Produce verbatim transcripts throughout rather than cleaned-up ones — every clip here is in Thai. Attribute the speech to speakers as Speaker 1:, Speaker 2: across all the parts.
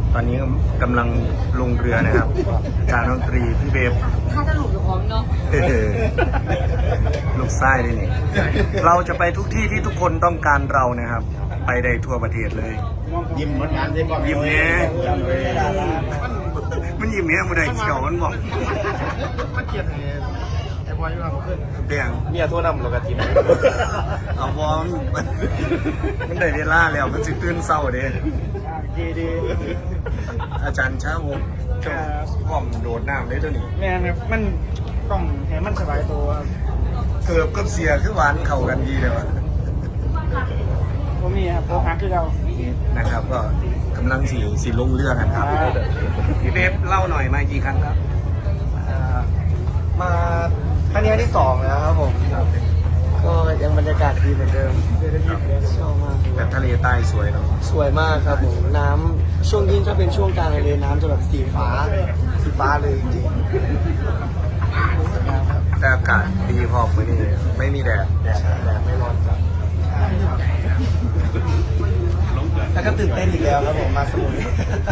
Speaker 1: ตอนนี้กำลังลงเรือนะครับอาจารย์ดนตรีพี่เบฟ
Speaker 2: ถ้าจะหลุดอยู่ของเนาะ
Speaker 1: ลูกไส้ด้วยนี่เราจะไปทุกที่ที่ทุกคนต้องการเรานะครับไปได้ทั่วประเทศเลย
Speaker 3: ยิ้มมันงานได้ก่อน
Speaker 1: ยิ้มเนี้ยมันยิ้มเนี้ยมันได้เขียวมันบอก
Speaker 3: มันเกลียดไงไอ้บอยมาขึ้น
Speaker 1: เปลี่ยน
Speaker 3: เมียโทษนำเรากระถิ่น
Speaker 1: เอาบอลมันได้เวลาแล้วมันสิตื่นเศร้าเด้
Speaker 3: ดีดี
Speaker 1: อาจารย์ช้าวงพร้อมโดดน้ำได้ตัวนี้
Speaker 3: แม่มันต้องให้มันสบายตัว
Speaker 1: เกือบกับเสียคือหวานเข้ากันดีเลยวะ
Speaker 3: ผมมีครับโปรฮักคือเรา
Speaker 1: นะครับก็กำลังสีสีลงเรือกันครับพี่เบฟเล่าหน่อยมากี่ครั้งครับ
Speaker 4: มาครั้งนี้ที่สองแล้วครับผมก็ยังบรรยากาศดีเหมือนเดิมชอบมาก
Speaker 1: แต่ทะเลใต้สวยเนาะ
Speaker 4: สวยมากครับผมน้ำช่วงยิ่งถ้าเป็นช่วงกลางทะเลน้ำจะแบบสีฟ้าสีฟ้าเลยจริง
Speaker 1: แต่อากาศดีพอมือนี้ไม่มีแดดแดดแดดไม่ร้อนจัด
Speaker 4: แล้วก็ตื่นเต้นอีกแล้วครับผมมาสมุย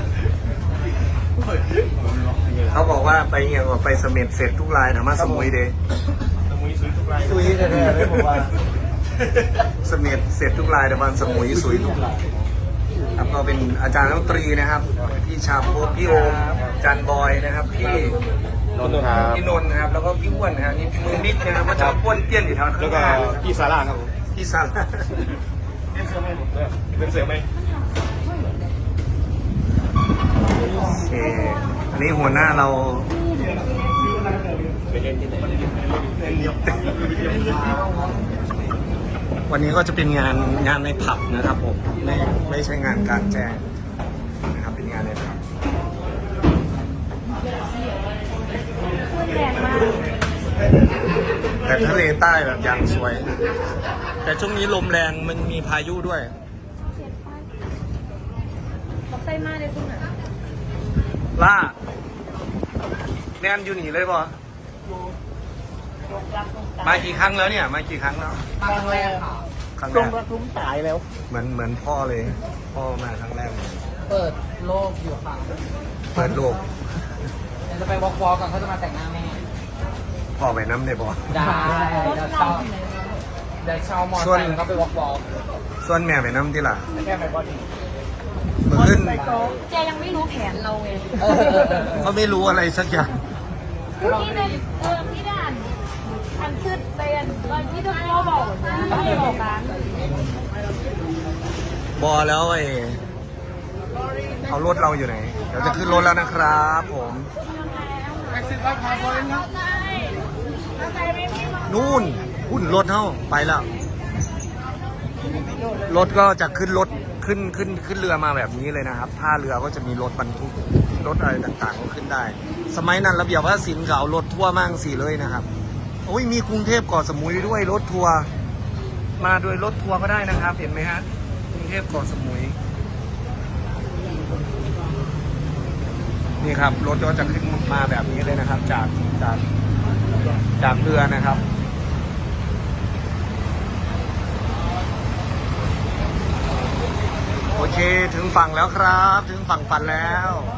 Speaker 1: เขาบอกว่าไปเงี้ยว่าไปเสม็ดเสร็จทุกรายนะมาสมุยเดย์
Speaker 3: สมุยสุยทุกราย
Speaker 4: สุยแท้ๆเลยผมว่า
Speaker 1: เสม็ดเสร็จทุกรายแต่วันสมุยสุยทุกรายครับก็เป็นอาจารย์ดนตรีนะครับพี่ชาโพพี่โอมอาจารย์บอยนะครับพี่
Speaker 3: นนท์ครับ
Speaker 1: พี่นนท์นะครับแล้วก็พี่อ้วนนะครับนี่มือมิดนะครับว่าจะป้วนเปี้ยนอยู่ทางข้างหน้า
Speaker 3: พี่ซาร่าครับ
Speaker 1: พี่ซาร่า
Speaker 3: เป็นเสือไหมเป็นเสือไหม
Speaker 1: โอเคอันนี้หัวหน้าเราวันนี้ก็จะเป็นงานงานในผับนะครับผมไม่ไม่ใช่งานกลางแจ้งนะครับเป็นงานในผับแต่ทะเลใต้แบบอย่างสวยแต่ช่วงนี้ลมแรงมันมีพายุด้วย
Speaker 2: เขาใส่มาเลยคุณอ่ะ
Speaker 1: ล่าแนนอยู่หนีเลยป่ะมากี่ครั้งแล้วเนี่ยมากี่ครั้งแล้ว
Speaker 2: ครั้งแรกค่ะ
Speaker 1: ครั้งแร
Speaker 4: ล
Speaker 1: ก
Speaker 4: งรักลุ้มตายแล้ว
Speaker 1: เหมือนเหมือนพ่อเลยพ่อมาครั้งแรกเลย
Speaker 2: เปิดโลกอยู่ค่ะ
Speaker 1: เปิดโลก
Speaker 2: เดี๋ยวจะไปวอล์กวอล์กก่อนเขาจะมาแต่งหน้าแม่
Speaker 1: พ่อไปน้ำได้ป่ะ
Speaker 2: ได้เดี๋ยวเช่าเดี๋ยวเช่ามอเตอร์ไซค์แล้วก็ไปวอล์กวอล์ก
Speaker 1: ส่วนแม่ไปน้ำที่ล่ะ
Speaker 4: แค่ไปบอดี้
Speaker 1: เมื่อขึ้น
Speaker 2: แกยังไม่รู้แผนเราไง
Speaker 1: เขาไม่รู้อะไรสักอย่าง
Speaker 2: พี่ในเออพี่ด่านอันขึ้นไปอันตอนที่ทุกพ่อบอกไม่บอกกัน
Speaker 1: บอแล้วไอ้เอารถเราอยู่ไหนเดี๋ยวจะขึ้นรถแล้วนะครับผมนู่นหุ่นรถเท่าไปแล้วรถก็จะขึ้นรถขึ้นขึ้นขึ้นเรือมาแบบนี้เลยนะครับท่าเรือก็จะมีรถบรรทุกรถอะไรต่างๆก็ขึ้นได้สมัยนั้นระเบียบว่าสินเขารถทัวร์มั่งสี่เลยนะครับโอ้ยมีกรุงเทพเกาะสมุยด้วยรถทัวร์มาโดยรถทัวร์ก็ได้นะครับเห็นไหมฮะกรุงเทพเกาะสมุยนี่ครับรถก็จะขึ้นมาแบบนี้เลยนะครับจากจากจากเรือนะครับโอเคถึงฝั่งแล้วครับถึงฝั่งฝันแล้ว